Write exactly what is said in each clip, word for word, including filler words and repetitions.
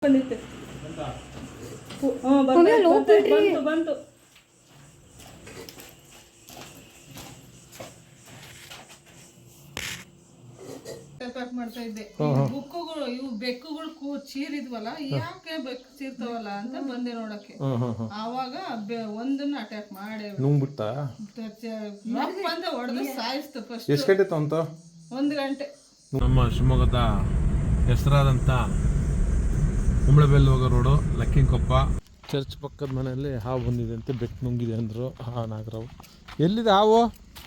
ಬಂದಿತ್ತು ಬಂತು ಬಂತು ಪ್ಯಾಕ್ ಮಾಡ್ತಾ ಇದ್ದೆ. ಬುಕ್ಕುಗಳು ಇವು ಬೆಕ್ಕುಗಳು ಕೂ ಚೀರಿದ್ವಲ್ಲ, ಯಾಕೆ ಬೆಕ್ಕು ಚೀರ್ತಾವಲ್ಲ ಅಂತ ಬಂದೆ ನೋಡಕ್ಕೆ. ಆವಾಗ ಒಂದನ್ನ ಅಟ್ಯಾಕ್ ಮಾಡಿ ನುಂಗ್ಬಿಡ್ತಾ ಬಂದ ಹೊಡೆದು ಸಾಯಿಸ್ತು. ಫಸ್ಟ್ ಎಷ್ಟು ಗಂಟೆ ಅಂತ? ಒಂದು ಗಂಟೆ. ನಮ್ಮ ಶಿವಮೊಗ್ಗದ ಹೆಸರಾದಂಥ ಕುಂಬಳಬೆಲ್ ಹೋಗೋ ರೋಡು ಲಕ್ಕಿಂಕೊಪ್ಪ ಚರ್ಚ್ ಪಕ್ಕದ ಮನೆಯಲ್ಲಿ ಹಾವು ಬಂದಿದೆ ಅಂತ ಬೆಕ್ಕು ನುಂಗಿದೆ ಅಂದರು. ಹಾ ನಾಗರಾವು ಎಲ್ಲಿದೆ ಹಾವು?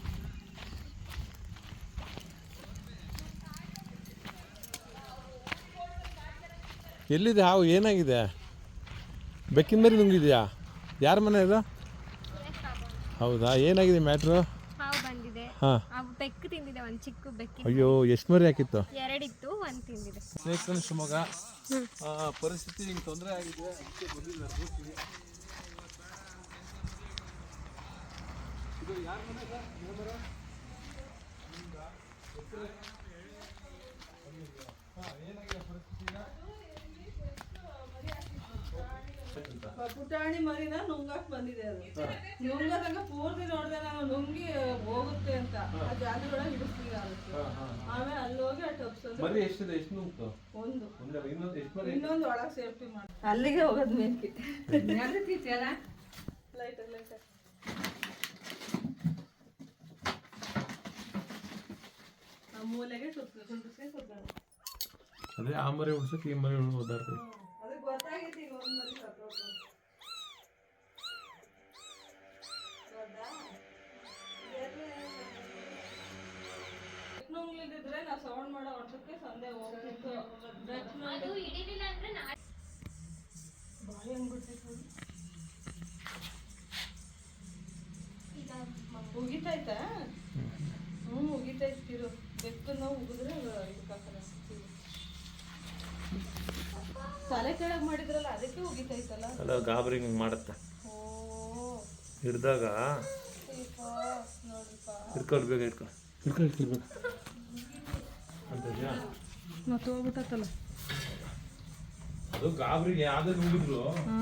ಎಲ್ಲಿದೆ ಹಾವು? ಏನಾಗಿದೆ? ಬೆಕ್ಕಿನ ಮರಿ ನುಂಗಿದ್ಯಾ? ಯಾರ ಮನೆ ಇದು? ಹೌದಾ, ಏನಾಗಿದೆ ಮ್ಯಾಟ್ರು? ಹಾವು ಬಂದಿದೆ. ಹಾಂ, ಬೆಕ್ಕು ತಿಂದಿದೆ. ಒಂದು ಚಿಕ್ಕ ಬೆಕ್ಕು. ಅಯ್ಯೋ, ಎಷ್ಟು ಮರಿ ಹಾಕಿತ್ತು? ಎರಡಿತ್ತು, ಒಂದು ತಿಂದಿದೆ. ಸ್ನೇಹಿತರೆ, ಶಿವಮೊಗ್ಗ ಪರಿಸ್ಥಿತಿ ನಿಮ್ಗೆ ತೊಂದರೆ ಆಗಿದೆ, ಅದಕ್ಕೆ ಬಂದಿದ್ದಾರೆ. ಇದು ಯಾರ ಮನೆ ಸರ್? ಏನಾಗಿದೆ ಪರಿಸ್ಥಿತಿ? ಪುಟಾಣಿ ಮರಿನ ನುಂಗಾಕ್ ಬಂದಿದೆ. ಅದು ನುಂಗದಂಗ ಪೂರ್ತಿ ನೋಡಿದೆ ನಾನು, ನುಂಗಿ ಹೋಗುತ್ತೆ ಅಂತ. ಆ ಜಾಗದೊಳಗೆ ಹಿಡಿಸ್ತೀವಿ ಆಗುತ್ತೆ. ಆಮೇಲೆ ಅಲ್ಲಿ ಹೋಗಿ ಆ ಟಪ್ಸೋದು. ಮರಿ ಎಷ್ಟಿದೆ? ಎಷ್ಟು ನುಂಗ್ತು? ಒಂದು. ಇನ್ನೊಂದು ಎಷ್ಟು ಮರಿ? ಇನ್ನೊಂದು ಒಳಗೆ ಸೇಫ್ಟಿ ಮಾಡಿ ಅಲ್ಲಿಗೆ ಹೋಗೋದು ಮೇಲ್ಕಿ. ಲೈಟ್ ಲೈಟ್ ಆ ಮೂಲೆಗೆ ಕುತ್ಕೊಂಡು ಕೂತ್ಕೊಂಡು ಅದೇ ಆ ಮರಿ ಉಡ್ಸಕ್ಕೆ ಈ ಮರಿ ಓದಾಡ್ತೀವಿ. ಅದಕ್ಕೆ ಗೊತ್ತಾಗೈತಿ ಈಗ ಒಂದು ಮರಿ ಸತ್ತೋಗ್ತು. ನುಂಗ್ಲಿದ್ರೆ ನಾವು ಸೌಂಡ್ ಮಾಡೋ ವರ್ಷಕ್ಕೆ ಸಂದೆ ಹೋಗ್ತಿತ್ತು. ಬಾಯಿ ಹಂಗ್ಬಿಡ್ತಿತ್ತು. ಉಗಿತೈತಾ? ಹ್ಞೂ ಉಗಿತೈತಿರು. ಬೆಕ್ಕು ನಾವು ಉಗಿದ್ರೆ ಇದಕ್ಕಾಕಲ್ಲ. ತಲೆ ಕೆಳಗೆ ಮಾಡಿದ್ರಲ್ಲ, ಅದಕ್ಕೆ ಉಗಿತೈತಲ್ಲ. ಅಲ್ಲ, ಗಾಬರಿ ಹಿಂಗೆ ಮಾಡುತ್ತೆ. ಓ, ಹಿಡ್ದಾಗ ನೋಡ್ರಿಪ್ಪ, ಹಿಡ್ಕೊಳ್ಬೇಕು ಹಿಡ್ಕೊ ಹಿಡ್ಕೊ ಹಿಡ್ಕೊಳ್ಬೇಕು ಅಂತದ್ಯಾ? ಮತ್ತೆ ಹೋಗ್ಬಿಟ್ಟತ್ತಲ್ಲ ಅದು. ಗಾಬರಿಗೆ ಯಾವ್ದೇ ನುಂಗಿದ್ರು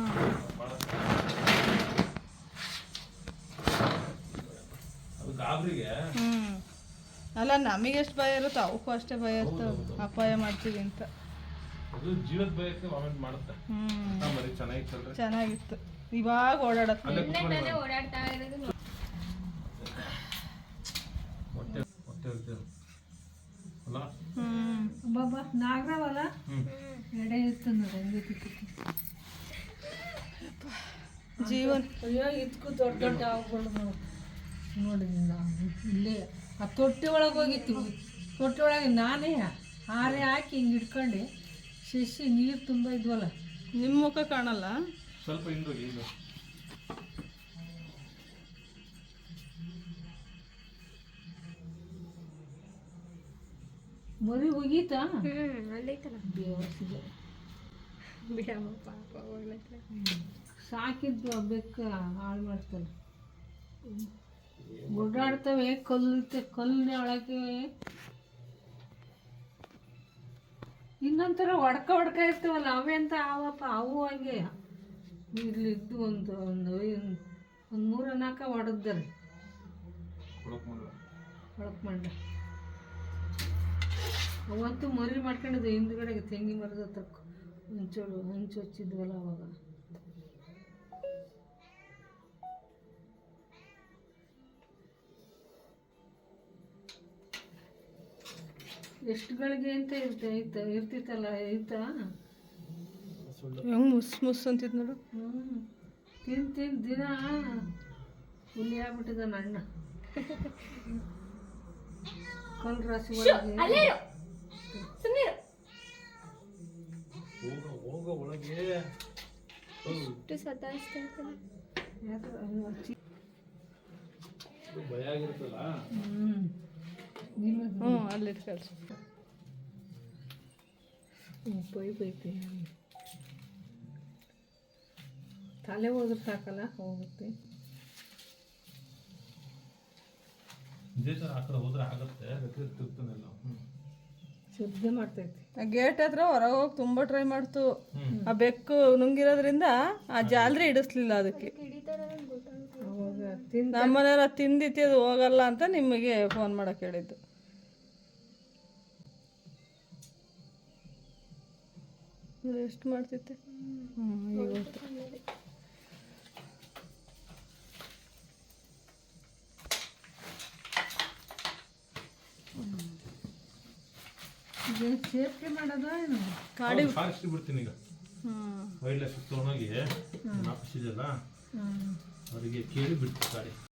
ಅದು ಗಾಬರಿಗೆ. ಹ್ಮ್ ಅಲ್ಲ, ನಮಗೆ ಎಷ್ಟು ಭಯ ಇರುತ್ತೋ ಅವಕ್ಕೂ ಅಷ್ಟೇ ಭಯ ಇರ್ತವೆ. ಅಪಾಯ ಮಾಡ್ತೀವಿ ಅಂತ. ಅದು ಜೀವದ ಭಯಕ್ಕೆ ವಾಮೆಂಟ್ ಮಾಡುತ್ತೆ. ಹ್ಮ್ ಮರಿ ಚೆನ್ನಾಗಿತ್ತು ಚೆನ್ನಾಗಿತ್ತು. ಇವಾಗ ಓಡಾಡತ್ತೆ. ಓಡಾಡ್ತಾ ಇರೋದು ಹೊಟ್ಟೆ ಹೊಟ್ಟೆ ಇರ್ತದೆ ಅಲ್ಲ. ಹ್ಮ್ ಬಾಬಾ ನಾಗರಾವಲ್ಲ ಎಡೆ ಇತ್ತು ನೋಡಿ. ಜೀವನ್ ಅಯ್ಯೋ, ಇದಕ್ಕೂ ದೊಡ್ಡ ದೊಡ್ಡ ಹಾವುಗಳು ನೋಡಿ. ಇಲ್ಲೇ ಆ ತೊಟ್ಟಿ ಒಳಗೆ ಹೋಗಿತ್ತು. ತೊಟ್ಟಿ ಒಳಗೆ ನಾನೇ ಹಾರೆ ಹಾಕಿ ಹಿಂಗೆ ಹಿಡ್ಕೊಂಡು ಶಶಿ ನೀರು ತುಂಬ ಇದ್ವಲ್ಲ. ನಿಮ್ಮ ಮುಖ ಕಾಣಲ್ಲ. ಸ್ವಲ್ಪ ಹಿಂದೋಗಿ ಹಿಂದೆ. ಮರಿ ಹೋಗೀತಾ? ಹ್ಮ್ ಅಲ್ಲೈತಲ್ಲ. ಬೇವರ್ಸಿದೆ ಬಿಡಮ್ಮ ಪಾಪ ಹೋಗ್ಲೈತೆ. ಸಾಕಿದ್ದು ಬೆಕ್ಕ ಹಾಳು ಮಾಡ್ತಾನೆ. ಓಡಾಡ್ತವೆ. ಕಲ್ಲು ಕಲ್ಲಿನ ಒಳಗೆ ಇನ್ನೊಂಥರ ಹೊಡ್ಕ ಹೊಡ್ಕ ಇರ್ತವಲ್ಲ, ಅವೇ ಅಂತ ಆವಪ್ಪ. ಅವು ಹಂಗೆ ಇಲ್ಲಿದ್ದು ಒಂದು ಒಂದು ಒಂದು ಮೂರ ನಾಲ್ಕ ಹೊಡೆದ್ದಾರೆ ಹೊಳಕ್ ಮಂಡ. ಅವತ್ತು ಮರಿ ಮಾಡ್ಕೊಂಡಿದ್ದೆ ಹಿಂದ್ಗಡೆಗೆ ತೆಂಗಿ ಮರದ ತಕ್ಕ ಹಂಚೋಳು ಹಂಚು ಹಚ್ಚಿದ್ವಲ್ಲ ಅವಾಗ. ಎಷ್ಟುಗಳಿಗೆ ಅಂತ ಇರ್ತ ಇರ್ತ ಇರ್ತಿತ್ತಲ್ಲ ಐತಾ. ಹೆಂಗ್ ಮುಸ್ ಮುಸ್ ಅಂತಿದ್ ನೋಡು. ಹ್ಞೂ ತಿನ್ ತಿನ್ ದಿನ ಹುಲಿ ಆಗ್ಬಿಟ್ಟಿದ ಅಣ್ಣ. ಕಲ್ ರಾಶಿ ಒಳಗೆ ಭಯ ಆಗಿರುತ್ತಲ್ಲ. ಹ್ಞೂ ಅಲ್ಲಿ ಕಳ್ಸು. ಬೈ ಬೈತೆ. ತಲೆ ಹೋದ್ರೆ ಸಾಕಲ್ಲ, ಹೋಗುತ್ತೆ. ಇದೇ ಥರ ಆ ಕಡೆ ಹೋದ್ರೆ ಆಗುತ್ತೆ. ತಿರ್ತಾನೆಲ್ಲ. ಹ್ಞೂ ಶಬ್ದ ಮಾಡ್ತೈತಿ ಗೇಟ್ ಹತ್ರ ಹೊರಗೆ ಹೋಗಿ ತುಂಬ ಟ್ರೈ ಮಾಡ್ತು. ಆ ಬೆಕ್ಕು ನುಂಗಿರೋದ್ರಿಂದ ಆ ಜಾಲರಿ ಇಡಿಸ್ಲಿಲ್ಲ ಅದಕ್ಕೆ. ಅವಾಗ ತಿಂದು ನಮ್ಮನೆಯವ್ರ ತಿಂದಿತ್ತು ಅದು ಹೋಗಲ್ಲ ಅಂತ ನಿಮಗೆ ಫೋನ್ ಮಾಡಕ್ಕೆ ಹೇಳಿದ್ದು. ಎಷ್ಟು ಮಾಡ್ತಿತ್ತೆ. ಹ್ಞೂ ಇವತ್ತು ಇದೇನು ಸೇಫ್ಟಿ ಮಾಡೋದ ಏನು ಕಾಡಿ. ಸಾರಿಸಿ ಬಿಡ್ತೀನಿ ಈಗ. ಹ್ಞೂ ವೈಲ್ಡ್ ಲೈಫ್ ತೊಗೊಂಡೋಗಿ ಆಫೀಸ್ ಇದೆಯಲ್ಲ ಅವರಿಗೆ ಕೇಳಿ ಬಿಡ್ತೀನಿ ಗಾಡಿ.